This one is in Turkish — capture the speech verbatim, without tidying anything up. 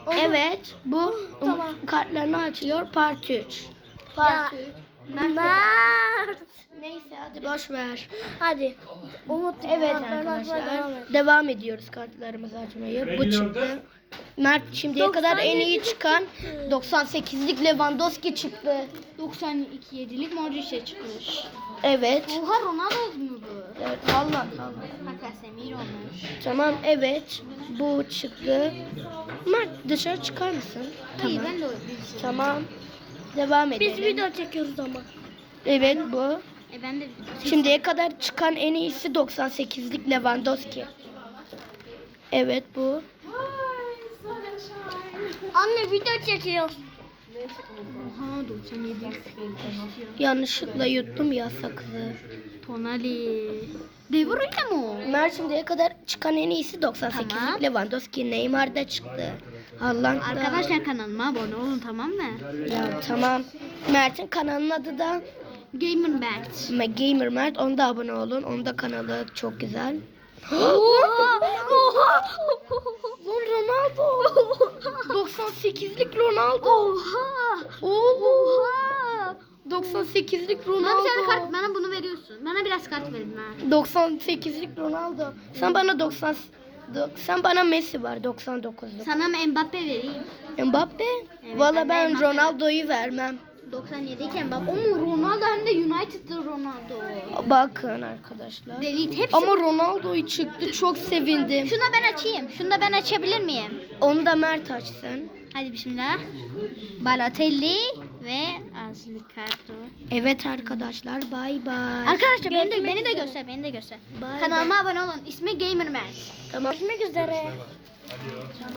Evet, bu Tamam. kartlarını açıyor. Part üç. Ya, Mert. Neyse hadi boş ver. Hadi. Umut. Evet kartlarını açmaya arkadaşlar, devam et. devam ediyoruz kartlarımızı açmayı. Bu çıktı. Mert şimdiye kadar en iyi çıkan doksan sekizlik Lewandowski çıktı. doksan iki yedilik Modric'e çıkmış. Evet. Oha Ronaldo mu bu? Evet, Allah Allah. Hakan Semir olmuş. Tamam, evet. Bu çıktı. Mert dışarı çıkar mısın? Hayır Tamam. ben de o bir Tamam. Devam edelim. Biz video çekiyoruz ama. Evet bu. E ben de Şimdiye kadar çıkan en iyisi doksan sekizlik Lewandowski. Evet bu. Anne video çekiyoruz. Oha doksan yedi. Yanlışlıkla yuttum ya sakızı. Tonali. De Bruyne mu? Mert şimdiye kadar çıkan en iyisi doksan sekizlik Tamam. Lewandowski. Neymar da çıktı. Haaland da. Arkadaşlar kanalıma abone olun tamam mı? Ya tamam. Mert'in kanalının adı da Gamer Mert. Gamer Mert. Onda abone olun. Onda kanalı çok güzel. Oha! Oha! Lan Ronaldo. doksan sekizlik Ronaldo. Oha! Oğlum. Oha! doksan sekizlik Bana bir tane Ronaldo. kart, bana bunu veriyorsun. Bana biraz kart verin ha. doksan sekizlik Ronaldo. Sen bana doksan do- sen bana Messi var doksan dokuzluk. Sana mı Mbappe vereyim? Mbappe? Evet, Valla ben de ben Mbappe. Ronaldo'yu vermem. doksan yedi iken Mbappe. O mu Ronaldo hem de United'da Ronaldo. Bakın arkadaşlar. Delete hepsi. Ama Ronaldo'yu çıktı, çok sevindim. Şunu da ben açayım. Şunu da ben açabilir miyim? Onu da Mert açsın. Hadi bismillah. Balotelli ve Azli Karto. Evet arkadaşlar, bay bay. Arkadaşlar beni de, beni de göster, beni de göster. Bye Kanalıma abone olun. İsmi Gamer Mert. Tamam. Görüşmek üzere.